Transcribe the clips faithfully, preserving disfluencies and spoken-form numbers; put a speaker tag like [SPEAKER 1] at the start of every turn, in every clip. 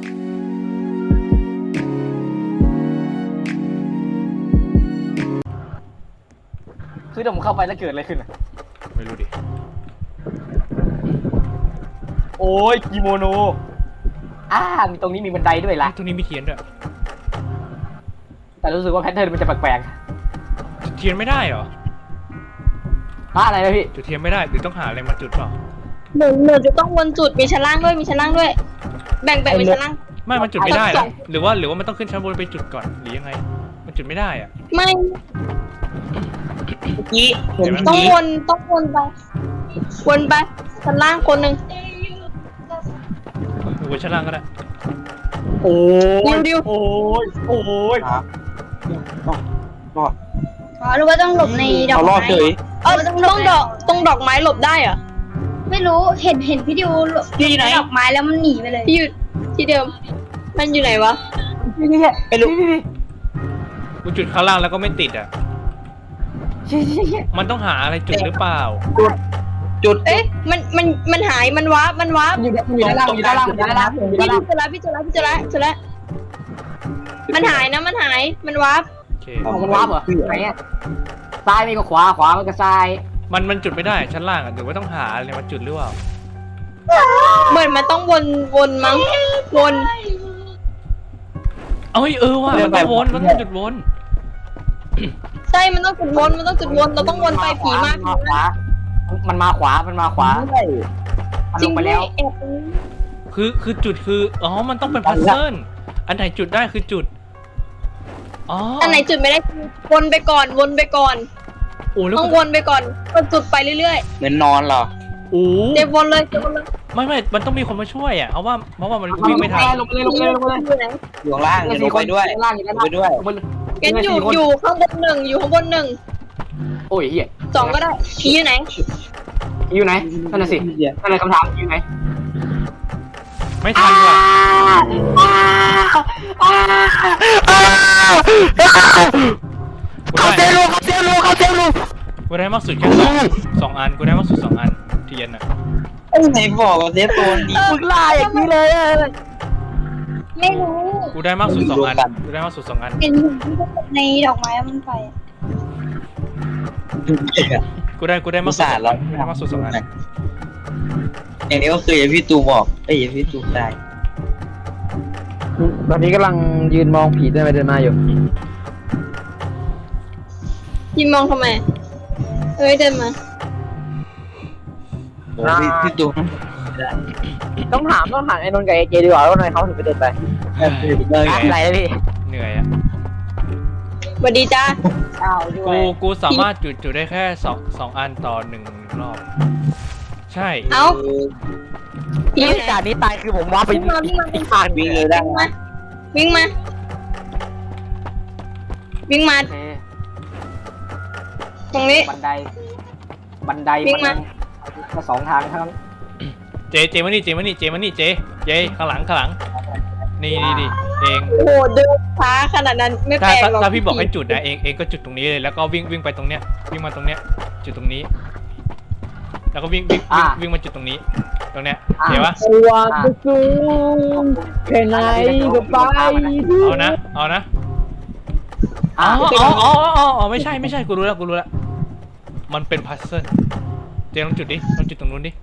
[SPEAKER 1] คือถ้าผมเข้าไปแล้วเกิดอะไรขึ้นอะ
[SPEAKER 2] ไม่รู้ดิ
[SPEAKER 1] โอ้ยกิโมโนอ่ามีตรงนี้มีบันไดด้วยล่ะ
[SPEAKER 2] ตรงนี้มีเทียนด้วย
[SPEAKER 1] แต่รู้สึกว่าแพทเทิร์นมันจะแปลก
[SPEAKER 2] ๆจุดเทียนไม่ได้เหรอ
[SPEAKER 1] ฮะอะไรนะพี่
[SPEAKER 2] จุดเทียนไม่ได้หรือต้องหาอะไรมาจุดเปล่า
[SPEAKER 3] หนูหนูจะต้องวนจุดมีชั้นล่างด้วยมีชั้นล่างด้วยแบ่งแบ่งเป็นชั้นล่าง
[SPEAKER 2] ไม่มันจุดไม่ได้หรอหรือว่าหรือว่ามันต้องขึ้นชั้นบนไปจุดก่อนหรือยังไงมันจุดไม่ได้อ่ะ
[SPEAKER 3] ไม่
[SPEAKER 4] ยี่
[SPEAKER 3] ต้องวนต้องวนไปวนไปชั้นล่างคนหนึ่ง
[SPEAKER 2] วนชั้นล่างก็ได้
[SPEAKER 1] โอ้
[SPEAKER 3] ยดิว
[SPEAKER 1] โอ้ยโอ้ย
[SPEAKER 4] ครับรอด
[SPEAKER 3] อ๋อหรือว่าต้องหลบในดอกไม้เออต้องต้องดอกตรงดอกไม้หลบได้เหรอไม่รู้เห็นเห็นพี่ดิวหลบในดอกไม้แล้วมันหนีไปเลยพี่อยู่ที่เดิมมันอยู่ไหนวะ
[SPEAKER 4] ไปลุก
[SPEAKER 2] กูจุดข้างล่างแล้วก็ไม่ติดอ่ะมันต้องหาอะไรจุดหรือเปล่า
[SPEAKER 4] จุดจุด
[SPEAKER 3] เอ๊ะมันมันมันหายมันวาร์ปมันวาร์ป
[SPEAKER 1] อยู่อยู่ด้านล่างอยู่ด้านล่างอยู่ด้านล่างอยู่ด้านล่าง
[SPEAKER 3] พี่เจอแล้วพี่เจอแล้วพี่เจอแล้วเจอแล้วมันหายนะมันหายมันวาร์ป
[SPEAKER 2] โอเค
[SPEAKER 1] มันวาร์ปเหรอไหนอ่ะซ้ายไม่ก็ขวาขวามันก็ซ้าย
[SPEAKER 2] มันมันจุดไม่ได้ชั้นล่างอ่ะหรือว่าต้องหาอะไรมาจุดหรือเปล่า
[SPEAKER 3] เหมือนมันต้องวนวนมั้งวน
[SPEAKER 2] เอ้ยเออว่ะมันต้องวนมันต้องจุดวน
[SPEAKER 3] ใช่มันต้องจุดวนมันต้องจุดวนเราต้องวนไปผีมาก
[SPEAKER 1] มันมาขวามันมาขวา
[SPEAKER 3] จริง
[SPEAKER 1] ไปแล้ว
[SPEAKER 2] คือคือจุดคืออ๋อมันต้องเป็นพัซเซิลอันไหนจุดได้คือจุดอ๋อ
[SPEAKER 3] อันไหนจุดไม่ได้วนไปก่อนวนไปก่อน
[SPEAKER 2] โอ้
[SPEAKER 3] ต้องวนไปก่อนก็จุดไปเรื่อย
[SPEAKER 4] ๆเหมือนนอนเหรอ
[SPEAKER 2] โอ้
[SPEAKER 3] เดี๋ยววนเลยวนเลย
[SPEAKER 2] ไม่ไม่มันต้องมีคนมาช่วยอ่ะเพราะว่าเพราะว่ามันวิ่งไม่ทัน
[SPEAKER 1] ลงเลยลงเลยลงเลย
[SPEAKER 4] อยู่ล่างลงไปด้วย
[SPEAKER 1] ล่างอยู่
[SPEAKER 4] ไปด้วย
[SPEAKER 3] กันอยู่อยู่ข้างบนหนึ่งอยู่ข้างบนหนึ่ง
[SPEAKER 1] โอ้ยเหี้ย
[SPEAKER 3] สองก็ได้ผีอยู่ไหน
[SPEAKER 1] อยู่ไหนนั่นน่ะสินั่นเลยคำถามอยู่ไหน
[SPEAKER 2] ไม่ทันว่ะ
[SPEAKER 1] เขาเซลลูเขาเซลลูเขาเซลลู
[SPEAKER 2] กูได้มากสุดแค่สองสองอันกูได้มากสุดสองอันเทียนอ่ะ
[SPEAKER 4] ไอ้ไหนบอกว่าเซฟโซนดี
[SPEAKER 1] มึงล่าอย่างนี้เลย
[SPEAKER 3] ไม่รู้
[SPEAKER 2] กูได้มากสุดสองอันกูได้มากสุดสองอัน
[SPEAKER 3] เป็นในดอกไม้มันไป
[SPEAKER 2] กูได้กูได้มากสุดแล้วได้มากสุดสองอัน
[SPEAKER 4] อย่างนี้ก็คืออย่างพี่ตูบอกไอ้อย่างพี่ตูตาย
[SPEAKER 1] ตอนนี้กำลังยืนมองผีเดินไปเดินมาอยู่
[SPEAKER 3] ยืนมองทำไมเอ้ยเดินมา
[SPEAKER 4] พี่พี่ตู
[SPEAKER 1] ต้องถามต้องถามไอ้นนท์กับไอ้เจดีกว่าว่าทำไมเขาถึงไปเดินไปอะไรนะพี่
[SPEAKER 2] เหนื่อยอ่ะ
[SPEAKER 3] สวัสดีจ้า
[SPEAKER 2] กูกูสามารถจุดจุดได้แค่สองสองอันต่อหนึ่งรอบใช่
[SPEAKER 3] เอ้า
[SPEAKER 1] พี่จากนี้ตายคือผมว่าไป
[SPEAKER 3] วิ่งมา
[SPEAKER 4] วิ่งเลยได้
[SPEAKER 3] ไหมวิ่งมาวิ่งมาตรงนี้
[SPEAKER 1] บันไดบันไดมันก็สองทางเท่านั้น
[SPEAKER 2] เจเจมานี่เจมานี่เจมานี่เจเจข้างหลังข้างหลังนี่นี่ดิเอง
[SPEAKER 3] โอ้โหเดินช้าขนาดนั้นไม่แปลกหรอก
[SPEAKER 2] ถ้าพี่บอกให้จุดนะเองเองก็จุดตรงนี้เลยแล้วก็วิ่งวิ่งไปตรงเนี้ยวิ่งมาตรงเนี้ยจุดตรงนี้แล้วก็วิ่งวิ่งวิ่งมาจุดตรงนี้ตรงเนี้ยเห็นปะ
[SPEAKER 1] ว่าจะซูมแค่ไหนก็ไป
[SPEAKER 2] เอานะเอานะอ๋ออ๋ออ๋ออ๋อไม่ใช่ไม่ใช่กูรู้แล้วกูรู้แล้วมันเป็นพัซเซิลเจลองจุดดิลองจุดตรงนู้นดิ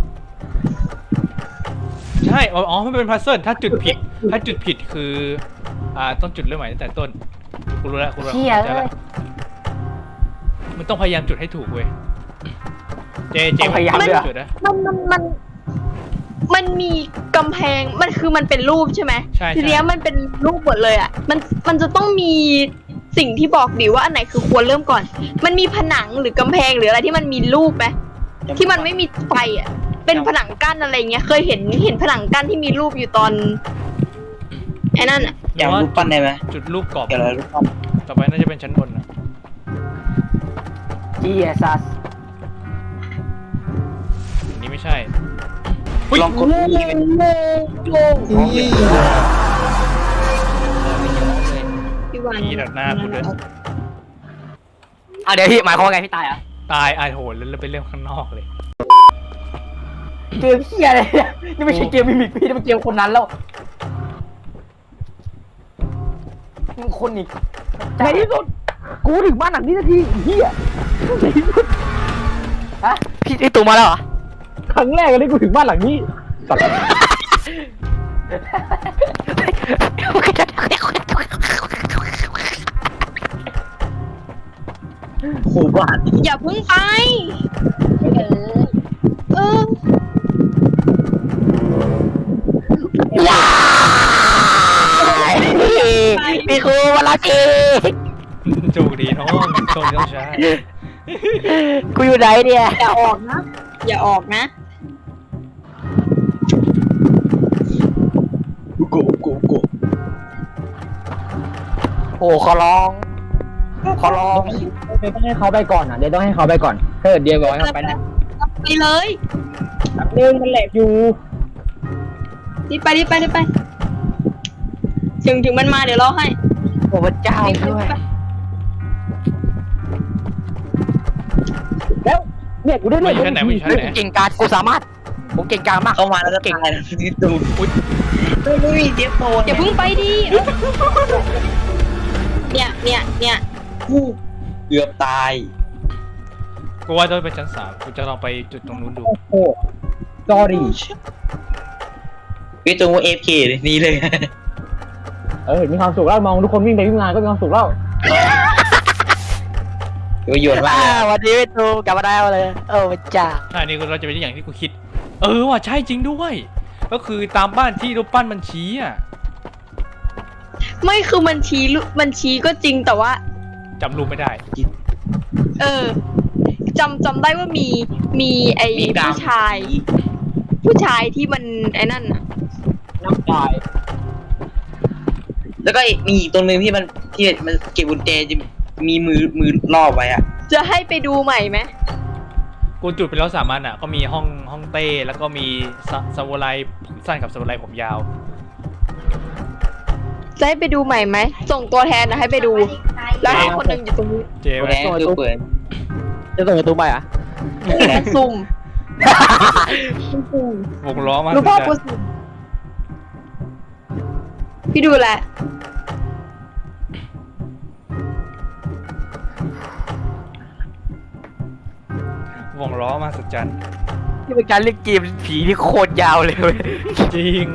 [SPEAKER 2] ใช่อ๋อมันเป็นพัซเซิลถ้าจุดผิดถ้าจุดผิดคืออ่าต้องจุดเริ่มใหม่ตั้งแต่ต้นกูรู้แล้วกูรู้แล้วมันต้องพยายามจุดให้ถูกเว้ยเจเจ
[SPEAKER 1] พยายาม
[SPEAKER 2] จุดนะ
[SPEAKER 3] มันมันมันมันมีกำแพงมันคือมันเป็นรูปใช่ไหม
[SPEAKER 2] ใช่
[SPEAKER 3] ทีนี้มันเป็นรูปหมดเลยอ่ะมันมันจะต้องมีสิ่งที่บอกดิว่าอันไหนคือควรเริ่มก่อนมันมีผนังหรือกำแพงหรืออะไรที่มันมีรูปไหมที่มันไม่มีไฟอ่ะเป็นผนังกั้นอะไรเงี้ยเคยเห็นเห็นผนังกั้นที่มีรูปอยู่ตอนไอ้นั่นอ่ะ
[SPEAKER 4] อย่างรูปปั้นได้ไหม
[SPEAKER 2] จุดรูปกรอบ
[SPEAKER 4] เกี่ยวกับรูปปั้น
[SPEAKER 2] ต่อไปน่าจะเป็นชั้นบนนะ
[SPEAKER 1] จีเอซัส
[SPEAKER 2] นี่ไม่ใช่
[SPEAKER 4] ลองกดนี่เป็น
[SPEAKER 2] พี่ดัดหน้าพูดเลย
[SPEAKER 1] อ่ะเดี๋ยวพี่หมายความว่าไงพี่ตายอ่ะ
[SPEAKER 2] ตายไอ้โหแล้วไปเล่นข้างนอกเลย
[SPEAKER 1] เกมเฮียอะไรเนี่ยนี่ไม่ใช่เกมมิมิกพี่นี่เป็นเกมคนนั้นแล้ว
[SPEAKER 5] มึงคนอีก
[SPEAKER 1] ในที่สุดกูถึงบ้านหลังนี้สักทีเฮียในที่สุด
[SPEAKER 5] ฮะพี่ไอตูมาแล้วเหรอ
[SPEAKER 1] ครั้งแรกเลยกูถึงบ้านหลังนี้สัตว์
[SPEAKER 4] โหบ้าน
[SPEAKER 3] อย่าเพิ่งไปเออ
[SPEAKER 5] พี่ครูมาแล้วจี
[SPEAKER 2] โชคดีน้องโชคดีน้องชาย
[SPEAKER 5] กูอยู่ไหนเนี่ย
[SPEAKER 3] อย่าออกนะ อย่าออกนะ
[SPEAKER 4] โกโกโก
[SPEAKER 5] โอ้ขอร้องขอร้อง
[SPEAKER 1] เดี๋ยวต้องให้เขาไปก่อนอ่ะเดี๋ยวต้องให้เขาไปก่อนถ้าเกิดเดียวบอกให้เขาไปนะ
[SPEAKER 3] ไปเลย
[SPEAKER 1] เดินมันแหลกอยู่
[SPEAKER 3] รีบไปรีบไปรีบไป ถึงถึงมันมาเดี๋ยวรอให้
[SPEAKER 5] โอ้พระเจ้า
[SPEAKER 3] รีบไป
[SPEAKER 5] ด้วย
[SPEAKER 1] แล้วเนี่ยกูได้
[SPEAKER 2] มา
[SPEAKER 1] เรื่
[SPEAKER 2] อยู่ชั้นไหนมาอยู่ชั้นไหน
[SPEAKER 5] เก่งการกูสามารถผมเก่งการมาก
[SPEAKER 4] เข้ามาแล้วก็ตายนะพี่ตูมอุ้ยไม่มีเจ็บโต
[SPEAKER 3] อย่าเพิ่งไปดิเออเนี่ยเนี่ยเนี่ย
[SPEAKER 4] กูเกือบตาย
[SPEAKER 2] กูว่าต้องไปชั้นสามกูจะลองไปจุดตรงนู้นดู
[SPEAKER 1] โอ้โหจอรี่
[SPEAKER 4] พี่ตูมว่าเอฟเคเลยนี่เลย
[SPEAKER 1] เออมีความสุขแล้วมองทุกคนวิ่งไปวิ่งมาก็มีความสุขแล้ว
[SPEAKER 4] ประโยชน์มากเลย
[SPEAKER 5] วันนี้พี่ตูกลับมาได้เลยโอ้พระเจ้า
[SPEAKER 2] ใช่นี่เราจะเป็นอย่างที่กูคิด เออว่ะใช่จริงด้วย ก็คือตามบ้านที่รูปปั้นมันชี้อ่ะ
[SPEAKER 3] ไม่คือมันชี้ลุมันชี้ก็จริงแต่ว่า
[SPEAKER 2] จำรูปไม่ได้
[SPEAKER 3] เออจำจำได้ว่ามีมีไอ้
[SPEAKER 4] มีดาว
[SPEAKER 3] ผู้ชาย ผู้ชายที่มันไอ้นั่นน่ะ
[SPEAKER 1] น้ำตาย
[SPEAKER 4] แล้วก็มีอีกตัวหนึ่งที่มันที่มันเก็บกุญแจจะมีมือมือรอบไว้อะ
[SPEAKER 3] จะให้ไปดูใหม่ไหม
[SPEAKER 2] กูจุดไปแล้วสามอันอ่ะ ก็มีห้องห้องเต้แล้วก็มีซาซามูไรผมสั้นกับซามูไรผมยาว
[SPEAKER 3] จะให้ไปดูใหม่ไหมส่งตัวแทนนะให้ไปดู แล้วให้คนหนึ่งอยู่ตรงนี้
[SPEAKER 2] เจ
[SPEAKER 4] ตัว
[SPEAKER 2] ไว้
[SPEAKER 4] แดงคือเปิด
[SPEAKER 1] จะส่งประตูไปอ่ะ
[SPEAKER 3] ซุ่ม
[SPEAKER 2] วงล้อมา
[SPEAKER 3] รู้ป่ะ
[SPEAKER 2] สุ
[SPEAKER 3] กู
[SPEAKER 2] ด
[SPEAKER 3] ซุ่มพี่ดูแหละ
[SPEAKER 2] ๆวงล้อมาสุดจัน
[SPEAKER 5] นี่เป็นการเล่นเกมผีที่โคตรยาวเลยเว้ย
[SPEAKER 2] จริง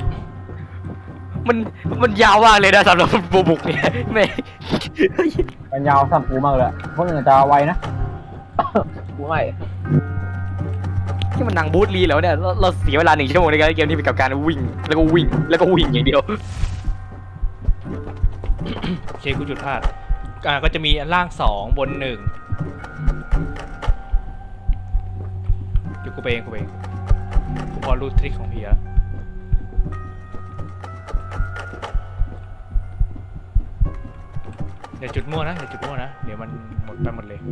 [SPEAKER 5] มันมันยาวมากเลยนะสำหรับบูบุกเนี่ยไม่
[SPEAKER 1] มันยาวสัมปูมากเลยพวกนึงจะไวนะกูไม่
[SPEAKER 5] ที่มันหนังบูธลีแล้วเนี่ยเราเราเสียเวลาหนึ่งชั่วโมงในการเล่นเกมนี้ไปกับการวิ่งแล้วก็วิ่งแล้วก็วิ่งอย่างเดียว
[SPEAKER 2] โอเคกูจุดพลาดอ่าก็จะมีล่างสองบนหนึ่งเดี๋ยวกูไปเองกูไปเองกูพอรู้ทริคของพี่แล้วเดี๋ยวจุดมั่วนะเดี๋ยวจุดมั่วนะเดี๋ยวมันหมดไปหมดเลย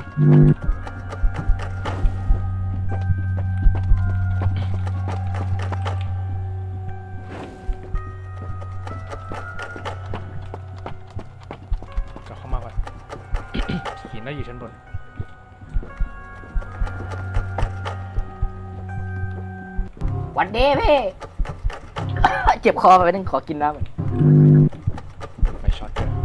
[SPEAKER 2] กลับเข้ามาก่อน หินน่าอยู่ชั้นบน
[SPEAKER 5] วันเดย์พี่ เจ็บคอไปนึงขอกินน้ำก่อน
[SPEAKER 2] ไปช็อตเลย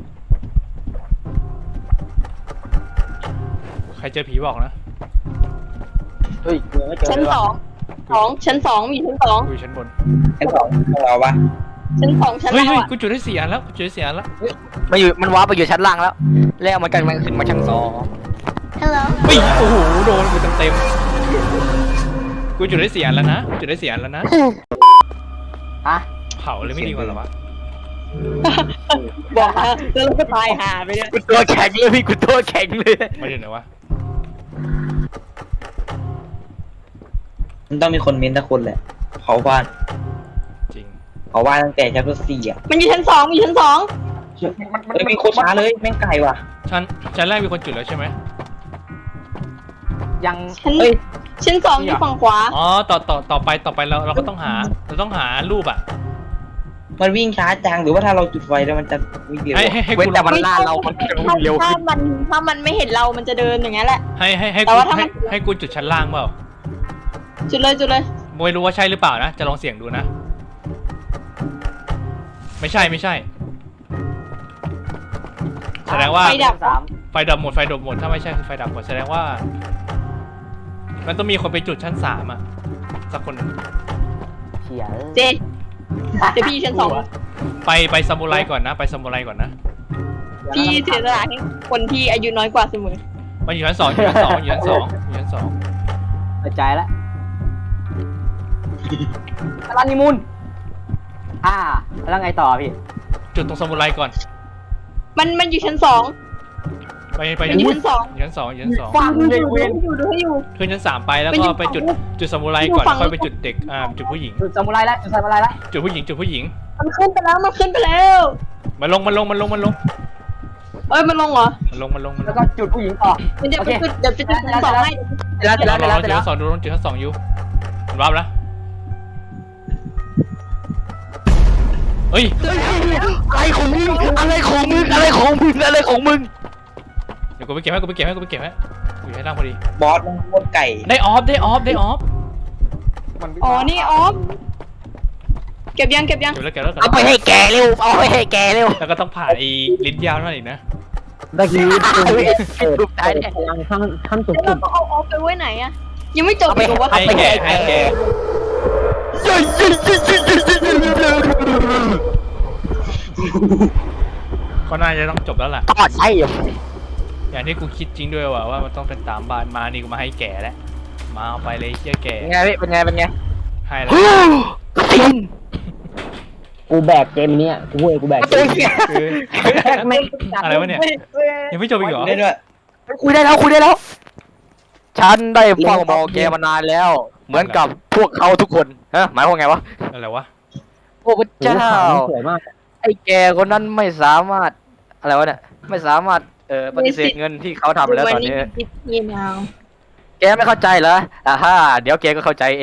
[SPEAKER 2] ใครเจอผีบอกนะ
[SPEAKER 1] เฮ้ยกูไม่เจอ
[SPEAKER 3] ชั้น
[SPEAKER 1] เลย
[SPEAKER 3] ส
[SPEAKER 1] ว่ะ
[SPEAKER 3] องสองชั้นสองมีชั้นสอง
[SPEAKER 2] กูอยู่ชั้นบน
[SPEAKER 4] ไอ้สองของเราปะ
[SPEAKER 3] ชั้นสองชั้น
[SPEAKER 2] เฮ้ย
[SPEAKER 3] เรา
[SPEAKER 2] เฮ้ย
[SPEAKER 3] อ่ะ
[SPEAKER 2] กูจุดได้สี่อันแล้วกูจุดได้สี่อันแล้ว
[SPEAKER 5] มาอยู่มันว้าไปอยู่ชั้นล่างแล้ว แล้วมันกันมันขึ้นมาชั้นสอง
[SPEAKER 3] ฮัลโหล
[SPEAKER 2] เฮ้ยโอ้โหโดนกูเต็มเต็มๆกูจุดได้สี่อันแล้วนะกูจุดได้สี่อันแล้วนะ
[SPEAKER 5] ฮะ
[SPEAKER 2] เผาเลยไม่ดีกว่าเหรอวะ
[SPEAKER 3] บอกนะแล้วเราก็ตายหาไปเนี่ย
[SPEAKER 5] กูตัวแข็งเลยพี่กูตัวแข็งเลย
[SPEAKER 2] ไม่ถึงไหนวะ
[SPEAKER 4] มันต้องมีคนเม้นต์ทุกคนแหละเผาบ้าน
[SPEAKER 2] จริง
[SPEAKER 4] เผาบ้านตั้งแต่ชั้นสี่อ่ะ
[SPEAKER 3] มันอยู่ชั้นสองมีชั้นสอง
[SPEAKER 4] เฮ้ยมีโคตรช้าเลยแม่งไกลว่ะ
[SPEAKER 2] ชั้นชั้นแรกมีคนจุดแล้วใช่ไหม
[SPEAKER 5] ยัง
[SPEAKER 3] ชั้น
[SPEAKER 5] เอ้ย
[SPEAKER 3] ชั้นสองอยู่ฝั่งขวา
[SPEAKER 2] อ๋อต่อต่อต่อไปต่อไปเราเราก็ต้องหาเราต้องหารูปอ่ะ
[SPEAKER 4] มันวิ่งช้าจังหรือว่าถ้าเราจุดไฟแล้วมันจะวิ่งเร็ว
[SPEAKER 2] ให้ให้ให้
[SPEAKER 5] เว้น
[SPEAKER 2] กูล
[SPEAKER 5] แต่
[SPEAKER 2] อง
[SPEAKER 5] มันล่าเรามันจะวิ่งเร็ว
[SPEAKER 3] ถ้า
[SPEAKER 5] ขึ้น
[SPEAKER 3] มันถ้ามันไม่เห็นเรามันจะเดินอย่างนั้นแหละ
[SPEAKER 2] ให้ให้ให้
[SPEAKER 3] แต่
[SPEAKER 2] กู
[SPEAKER 3] ว่าถ้ามั
[SPEAKER 2] ให้
[SPEAKER 3] น
[SPEAKER 2] ให้กูจุดชั้นล่างเปล่า
[SPEAKER 3] จุดเลยจุดเลย
[SPEAKER 2] ไม่รู้ว่าใช่หรือเปล่านะจะลองเสี่ยงดูนะ ไม่ใช่ไม่ใช่แสดงว่า
[SPEAKER 3] ไฟดับ
[SPEAKER 5] สาม
[SPEAKER 2] ไฟดับหมดไฟดับหมดถ้าไม่ใช่คือไฟดับหมดแสดงว่า มันต้องมีคนไปจุดชั้นสามอะสักคนหนึ่ง
[SPEAKER 5] เชี่ย
[SPEAKER 3] เจนเดี๋ยวพี่อยู่ชั้นสอง
[SPEAKER 2] ไปไปซามูไรก่อนนะ ไปซามูไรก่อนนะ
[SPEAKER 3] พี่เสียสละให้คนที่อายุน้อยกว่าเสมอ
[SPEAKER 2] มันอยู่ชั้นสองอยู่ชั้นสองอยู่ชั้นสองอยู่ชั้นสอง
[SPEAKER 5] เปิดใจแล้วร้านนิมูลอ่าแล้วไงต่อพี่
[SPEAKER 2] จุดตรงซามูไรก่อน
[SPEAKER 3] มันมันอยู่ชั้นสอง
[SPEAKER 2] ไปไป
[SPEAKER 3] มันอยู่ชั้นสอง
[SPEAKER 2] อยู่ชั้นสองอยู่ชั้นสอง
[SPEAKER 5] ฟัง
[SPEAKER 3] ดู
[SPEAKER 5] เลย
[SPEAKER 3] ดู
[SPEAKER 5] เว้น
[SPEAKER 3] ดูดูให้อยู่
[SPEAKER 2] ขึ้นชั้นสามไปแล้ว
[SPEAKER 3] มันอยู่
[SPEAKER 2] ก็ไปจุด
[SPEAKER 3] ฝั่ง
[SPEAKER 2] จุดซามูไรก่อน
[SPEAKER 3] อยู่ฝั่ง
[SPEAKER 2] ค่อยไปจุดเด็กอ่าจุดผู้หญิง
[SPEAKER 5] จุดซามูไรแล้วจุดซามูไรแล้ว
[SPEAKER 2] จุดผู้หญิงจุดผู้หญิง
[SPEAKER 3] มันขึ้นไปแล้วมันขึ้นไปแล้ว
[SPEAKER 2] มันลงมันลงมันลงมันลง
[SPEAKER 3] เอ้ยมันลงเหรอ
[SPEAKER 2] มันลงมันลงมันล
[SPEAKER 5] แล้ว
[SPEAKER 2] ง
[SPEAKER 5] ก็จุดผู้หญิงต่อ
[SPEAKER 3] เดี๋ยว
[SPEAKER 5] โอ
[SPEAKER 3] ไป
[SPEAKER 5] เค
[SPEAKER 3] จุดเดี๋ยวไปจุดชั้นสองให้
[SPEAKER 5] เสร็จแล้วเสร็จแล้วเสร็จ
[SPEAKER 2] ล
[SPEAKER 5] แล้ว
[SPEAKER 2] อง
[SPEAKER 5] เสร็จ
[SPEAKER 2] จุด
[SPEAKER 5] แล้ว
[SPEAKER 2] ชั้นสองดูลองจุดชั้นสองอยู่มันรับแล้วเฮ้ย
[SPEAKER 5] อะไรของมึงอะไรของมึงอะไรของมึงอะไรของมึง
[SPEAKER 2] เดี๋ยวกูไปเก็บให้กูไปเก็บให้กูไปเก็บให้กูอยู่ให้ล่างพอดี
[SPEAKER 4] บอสมันโคตรไก่
[SPEAKER 2] ได้ออฟได้ออฟได้ออฟ
[SPEAKER 3] อ๋อนี่ออฟเก็บยังเก็บยัง
[SPEAKER 2] เก็บแล้วเก็บแล้วเก็บ
[SPEAKER 5] เอา
[SPEAKER 2] แล้ว
[SPEAKER 5] ไปให้แกเร็วเอาไปให้แกเร็ว
[SPEAKER 2] แล้วก็ต้องผ่านไอ้ลิ้นยาวนั่นอีกนะ
[SPEAKER 1] เมื่อกี้
[SPEAKER 5] เอาไป
[SPEAKER 1] เปิด
[SPEAKER 5] รูปได้
[SPEAKER 1] เปิด
[SPEAKER 5] เนี่ย
[SPEAKER 1] พลังขั้นขั้นสุด
[SPEAKER 3] แล้วเราต้องเอาออฟไปไว้ไหนอะยังไม่จบ
[SPEAKER 5] เอาไป
[SPEAKER 3] อีกเหรอวะ
[SPEAKER 2] ให้แกให้แกก็น่าจะต้องจบแล้วล่ะ
[SPEAKER 5] ตอดไส้อยู่
[SPEAKER 2] อย่างที่กูคิดจริงด้วยว่ะว่ามันต้องเป็นตามบ้านมานี่กูมาให้แกแล้วมาเอาไปเลยเชี่ยแก
[SPEAKER 5] เป็นไงพี่เป็นไงเป็นไง
[SPEAKER 2] ให้แล้ว
[SPEAKER 5] ติน
[SPEAKER 1] กูแบกเกมเนี้ยกูเว้ยกูแบก
[SPEAKER 5] ประ
[SPEAKER 1] เก
[SPEAKER 5] ตู
[SPEAKER 1] ม
[SPEAKER 5] เสีย
[SPEAKER 2] คือ
[SPEAKER 1] แม่ง
[SPEAKER 2] อะไรวะเนี่ยยังไม่จบอีกเหรอ
[SPEAKER 4] ได้ด้วย
[SPEAKER 5] คุยได้แล้วคุยได้แล้ว ฉันได้เฝ้ามองแกมานานแล้ว เหมือนกับพวกเขาทุกคนฮะหมายความไงวะ
[SPEAKER 2] อะไรวะ
[SPEAKER 5] โอ้พระเจ้า
[SPEAKER 1] สวยมาก
[SPEAKER 5] ไอ้แกคนนั้นไม่สามารถอะไรวะเนี่ยไม่สามารถเอ่อปฏิเสธเงินที่เขาทำแล้วตอนนี้
[SPEAKER 3] นี่นาว
[SPEAKER 5] แกไม่เข้าใจเหรออ่าฮ่าเดี๋ยวแกก็เข้าใจเอง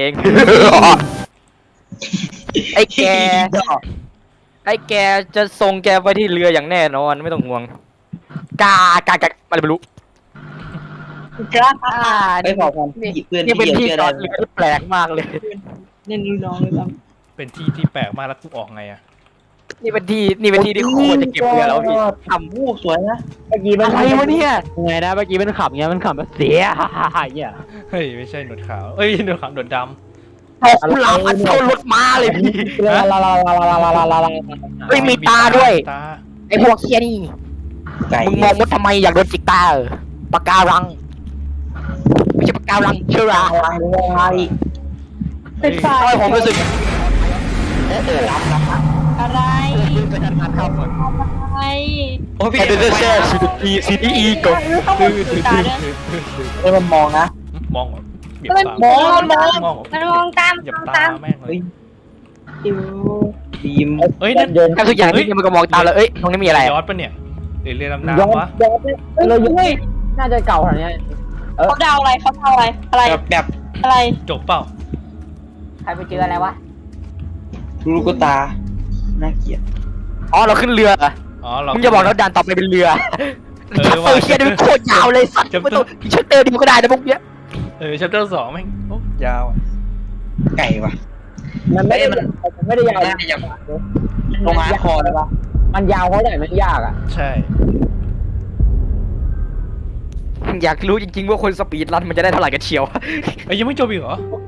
[SPEAKER 5] ไอ้แก ไอ้แกจะส่งแกไปที่เรืออย่างแน่นอนไม่ต้องห่วง กากากาอะไรไม่รู้
[SPEAKER 3] กล้า
[SPEAKER 5] อ่า
[SPEAKER 4] ไม่
[SPEAKER 5] นี่
[SPEAKER 4] พอความหยิบเพื่อน
[SPEAKER 5] นี่เป็นที่
[SPEAKER 4] เชื่อ
[SPEAKER 5] จอ
[SPEAKER 4] ได้
[SPEAKER 5] ดเรือที่แปลกมากเลย
[SPEAKER 3] เล่นดูน้องเลยครับ
[SPEAKER 2] เป็นที่ที่แปลกมากแล้วกูออกไงอะ
[SPEAKER 5] นี่เป็นที่นี่เป็นที่ที่โคตรจะเก็บเรือแล้วพี่
[SPEAKER 4] ทำวูบสวยนะ
[SPEAKER 1] เมื่อกี้มัน
[SPEAKER 5] อะไรวะเนี่ย
[SPEAKER 1] ยังไงนะเมื่อกี้มันขับเงี้ยมันขับแบบเสียเนี่ย
[SPEAKER 2] เฮ้ยไม่ใช่หนวดขาวเอ้ยหนวดขาวหนวดด
[SPEAKER 5] ตกกุหลาบอันเท่ารถม้าเลยพี่
[SPEAKER 1] ลาลาลาลาลาลาลาลาลา
[SPEAKER 2] ำ
[SPEAKER 5] เฮ้ยมีตาด้วย
[SPEAKER 2] ตา
[SPEAKER 5] ไอ้พวกเคียนี่
[SPEAKER 4] ไก่
[SPEAKER 5] มึงมองมดทำไมอยากโดนจิกตาเออปากการังไม่ใช่ปากการังเชื่อรา
[SPEAKER 4] อะไรอะไร
[SPEAKER 3] เป็นไฟ
[SPEAKER 5] ทำไมผมรู้สึก
[SPEAKER 3] อะไรอะไร
[SPEAKER 4] โอ้ยพี่
[SPEAKER 5] แค่เดินเซ่ซีดีซีดีอีก่อน
[SPEAKER 3] ข้างบนคือตาด้วย
[SPEAKER 4] เอ้ยมันมองนะ
[SPEAKER 2] มองเหรอเบียด
[SPEAKER 3] มัน
[SPEAKER 2] ตาม
[SPEAKER 3] มองมันมอง
[SPEAKER 2] มองเหรอ
[SPEAKER 3] มันมองตาม
[SPEAKER 2] เหยียบ
[SPEAKER 3] มอง
[SPEAKER 2] ตา
[SPEAKER 3] ตาม
[SPEAKER 2] แม่งเลย
[SPEAKER 3] ดิว
[SPEAKER 4] บีม
[SPEAKER 2] เอ้ยนั่น
[SPEAKER 1] เดิน
[SPEAKER 5] แค่ทุกอย่างที่มันก็มองตามเลยเอ้ยตรงนี้มีอะไร
[SPEAKER 2] ยอดปะเนี่ยหรือเรือดำ
[SPEAKER 1] ย้อน
[SPEAKER 2] น้ำวะ
[SPEAKER 1] ย้อนเราย้อนน่าจะเก่าขนาดนี้
[SPEAKER 3] เขาเดาอะไรเขาเดาอะไรอะไร
[SPEAKER 4] แบบแบบ
[SPEAKER 3] อะไร
[SPEAKER 2] จบเปล่า
[SPEAKER 5] ใครไปเจออะไรวะ
[SPEAKER 4] ลูกตา น่าเกลียด
[SPEAKER 5] อ๋อเราขึ้นเรือเหรอ
[SPEAKER 2] อ๋อเรา
[SPEAKER 5] มึงจะบอกแล้วด่านต่อไปเป็นเรือ
[SPEAKER 2] เออ
[SPEAKER 5] ชัปเตอร์เคียนี่มันโคตรยาวเลยสัตว์
[SPEAKER 2] ชัปเตอร์
[SPEAKER 5] ไม่ต้องชัปเตอร์เดียวก็ได้นะพวกเนี้ย
[SPEAKER 2] เออชัปเตอร์สองแม่งโอ้ยาวอะ
[SPEAKER 4] ไก่ว่ะ
[SPEAKER 1] มันไม่ได้มันไม่ได้ยาว
[SPEAKER 4] น่าจะลงอาร์คอร์เลยปะ
[SPEAKER 1] มันยาวเพราะไหนมันยากอ่ะ
[SPEAKER 2] ใช่
[SPEAKER 5] อยากรู้จริงๆว่าคนสปีดรันมันจะได้เท่าไหร่กันเชียว
[SPEAKER 2] เอ้ยยังไม่จบอีกเหรอ